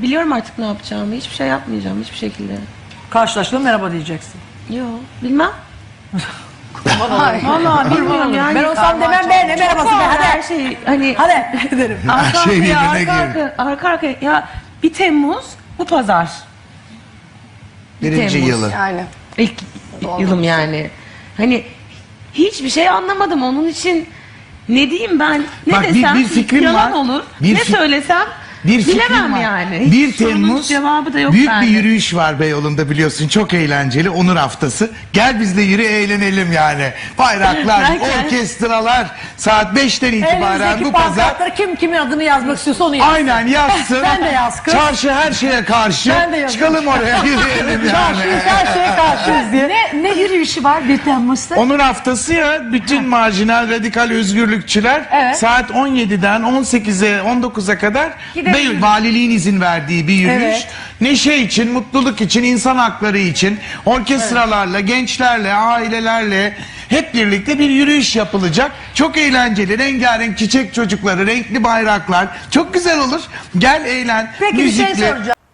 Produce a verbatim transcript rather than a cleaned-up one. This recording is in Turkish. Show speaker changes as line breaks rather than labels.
biliyorum artık ne yapacağımı. Hiçbir şey yapmayacağım hiçbir şekilde.
Karşılaştığında merhaba diyeceksin.
Yok bilmem.
Hayır.
Vallahi bilmiyorum yani.
Ben olsam demem be, ne merhabası be, hadi.
Her şey hani
Hadi derim.
arka
şey
arkaya,
birbirine
arka,
girdi.
arka, arka arkaya. Ya bir Temmuz bu pazar.
Birinci
Temmuz.
yılı.
Yani.
İlk yılım yani. Hani hiçbir şey anlamadım onun için. Ne diyeyim ben? Ne
Bak, bir-
desem
bir fikrim
yalan
var.
olur.
Bir
ne
fik-
söylesem
Bir fikrim
bilemem
var.
yani. Hiç
bir
sorunun
Temmuz
cevabı da yok
büyük
bende.
bir yürüyüş var Beyoğlu'nda biliyorsun. Çok eğlenceli. Onur Haftası. Gel biz de yürü eğlenelim yani. Bayraklar,
Ben kendim-
orkestralar saat beşten itibaren
Elinizdeki
bu pazar.
pankartları kim kimin adını yazmak istiyorsa onu yazsın.
Aynen yazsın.
Ben de yaz kız.
Çarşı her şeye karşı.
Ben de yazayım.
Çıkalım oraya yürüyelim yani.
Çarşıyız, her şeye karşıyız diye.
Ne, ne yürüyüşü var bir Temmuz'da?
Onur Haftası ya, bütün marjinal radikal özgürlükçüler
Evet.
saat on yediden on sekize on dokuza kadar
Gidelim.
Beyoğlu valiliğin izin verdiği bir yürüyüş.
Evet.
Neşe için, mutluluk için, insan hakları için orkestralarla, gençlerle, ailelerle hep birlikte bir yürüyüş yapılacak. Çok eğlenceli, rengarenk çiçek çocukları, renkli bayraklar. Çok güzel olur. Gel eğlen,
Peki bir şey
müzikle.
soracağım.